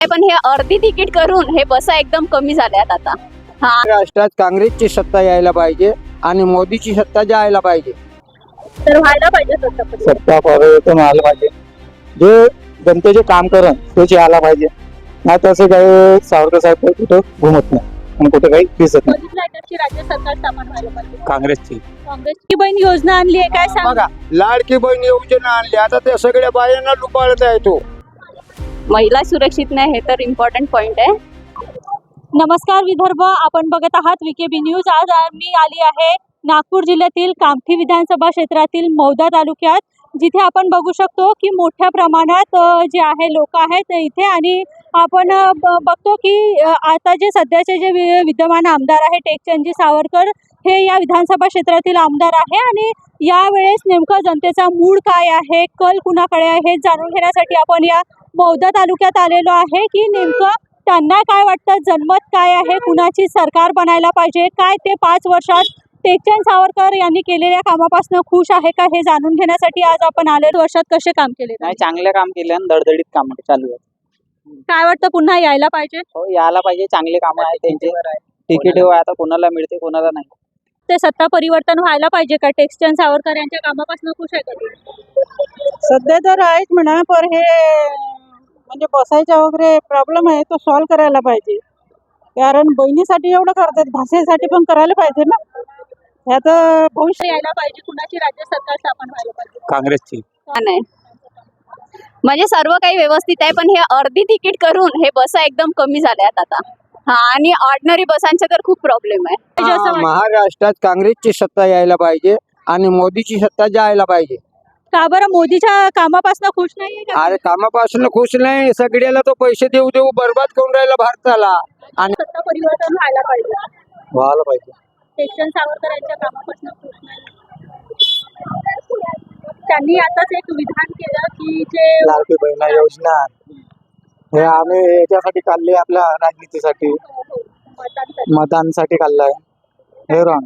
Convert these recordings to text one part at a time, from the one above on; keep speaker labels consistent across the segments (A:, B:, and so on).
A: पण हे अर्धी तिकीट करून हे बसा एकदम कमी झाल्यात आता.
B: महाराष्ट्रात काँग्रेसची सत्ता यायला पाहिजे आणि मोदीची सत्ता जायला पाहिजे.
A: तर व्हायला पाहिजे
B: सत्ता परिवर्तन व्हायला पाहिजे. जे जनतेचे काम करण तेच यायला पाहिजे. नाही तसं काही सावरकर साहेब कुठं घुमत नाही आणि कुठे काही दिसत नाही.
A: राज्य सरकार स्थापन व्हायला पाहिजे.
B: काँग्रेसची
A: काँग्रेसची बहीण योजना आणली आहे काय सांग.
B: बघा, लाडकी बहीण योजना आणली, आता त्या सगळ्या बायांना लुबाडत आहे तो.
A: महिला सुरक्षित नाही हे तर इम्पॉर्टंट पॉइंट आहे.
C: नमस्कार विदर्भ, आपण बघत आहात विकेबी न्यूज. आज मी आली आहे नागपूर जिल्ह्यातील कामठी विधानसभा क्षेत्रातील मौदा तालुक्यात, जिथे आपण बघू शकतो की मोठ्या प्रमाणात जे आहे लोक आहेत इथे. आणि आपण बघतो की आता जे सध्याचे जे विद्यमान आमदार आहे टेकचंदजी सावरकर, हे या विधानसभा क्षेत्रातील आमदार आहे. आणि यावेळेस नेमकं जनतेचा मूड काय आहे, कल कुणाकडे आहे हे जाणून घेण्यासाठी आपण या मौदा तालुक्यात आलेलो आहे. की नेमकं त्यांना काय वाटतं, जनमत काय आहे, कुणाची सरकार बनायला पाहिजे, काय ते 5 वर्षात टेकचंद सावरकर यांनी केलेल्या कामापासून खुश आहे का, हे जाणून घेण्यासाठी आज आपण आले. वर्षात कसे काम केले?
D: नाही, चांगले काम केले आणि धडधडीत काम चालू आहे.
C: काय वाटतं, पुन्हा यायला पाहिजे?
D: हो, यायला पाहिजे. चांगले काम आहे त्यांचे. तिकीट आता कोणाला मिळते कोणाला नाही.
C: ते सत्ता परिवर्तन व्हायला पाहिजे का? टेकचंद सावरकर यांच्या कामापासून खुश आहे का?
E: सध्या तर आहेच म्हणा, पण हे म्हणजे बसायचा वगैरे प्रॉब्लेम आहे तो सॉल्व्ह करायला पाहिजे. कारण बहिणीसाठी एवढं करतात, भाषेसाठी पण करायला पाहिजे ना. ह्यात भविष्य
C: यायला पाहिजे. कुणाची राज्य सरकार स्थापन व्हायला पाहिजे?
B: काँग्रेसची.
A: नाही म्हणजे सर्व काही व्यवस्थित आहे, पण हे अर्धी तिकीट करून हे बसा एकदम कमी झाल्यात आता. आणि ऑर्डिनरी बसांचा तर खूप प्रॉब्लेम आहे.
B: महाराष्ट्रात काँग्रेसची सत्ता यायला पाहिजे आणि मोदीची सत्ता जायला पाहिजे.
C: का बरं? मोदीच्या कामापासून खुश नाहीये का?
B: अरे कामापासून खुश नाही, सगळ्याला तो पैसे देऊ देऊ बर्बाद करून राहिला भारताला. आणि
C: सत्ता परिवर्तन व्हायला पाहिजे.
B: व्हायला पाहिजे.
C: टेकचंद सावरकर यांच्या कामापासून खुश नाही. त्यांनी आताच एक विधान केलं की जे
B: लाडकी बहीण योजना हे आम्ही याच्यासाठी काढली, आपल्या राजनीतीसाठी, मतदानसाठी काढलाय. हे रॉंग.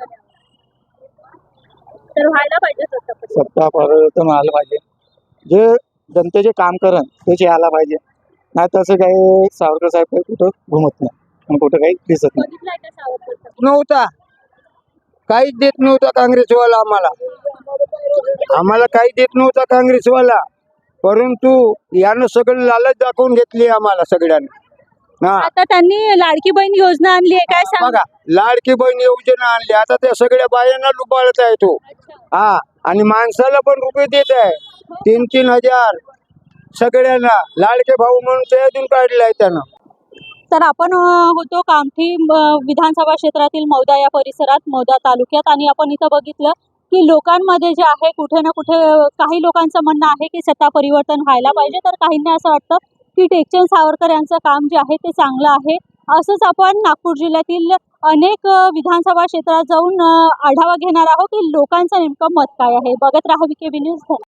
C: तर व्हायला पाहिजे
B: सत्ता परिवर्तन व्हायला पाहिजे. जे जनतेचे काम करण तेच यायला पाहिजे. नाही तसं काही सावरकर साहेब कुठं घुमत नाही आणि कुठं काही दिसत नाही.
C: बघितलंय का सावरकर?
B: नव्हता, काहीच देत नव्हता काँग्रेसवाला. आम्हाला काही देत नव्हता काँग्रेसवाला, परंतु यानं सगळं लालच दाखवून घेतली आम्हाला सगळ्यांना.
C: आता त्यांनी लाडकी बहीण योजना आणली आहे काय सांग.
B: बघा, लाडकी बहीण योजना आणली, आता त्या सगळ्या बायांना लुबाडत आहे तो. आणि माणसाला पण रुपये देत आहे 3-3 हजार सगळ्यांना. लाडके भाऊ म्हणून ते अजून काढलाय त्यानं.
C: तर आपण होतो कामठी विधानसभा क्षेत्रातील मौदा या परिसरात, मौदा तालुक्यात. आणि आपण इथं बघितलं की लोकांमध्ये जे आहे कुठे ना कुठे काही लोकांचं म्हणणं आहे की सत्ता परिवर्तन व्हायला पाहिजे, तर काहींना असं वाटतं की टेकचंद सावरकर यांचं काम जे आहे ते चांगलं आहे. असंच आपण नागपूर जिल्ह्यातील अनेक विधानसभा क्षेत्रात जाऊन आढावा घेणार आहोत की लोकांचं नेमकं मत काय आहे. बघत राहा विकेबी न्यूज.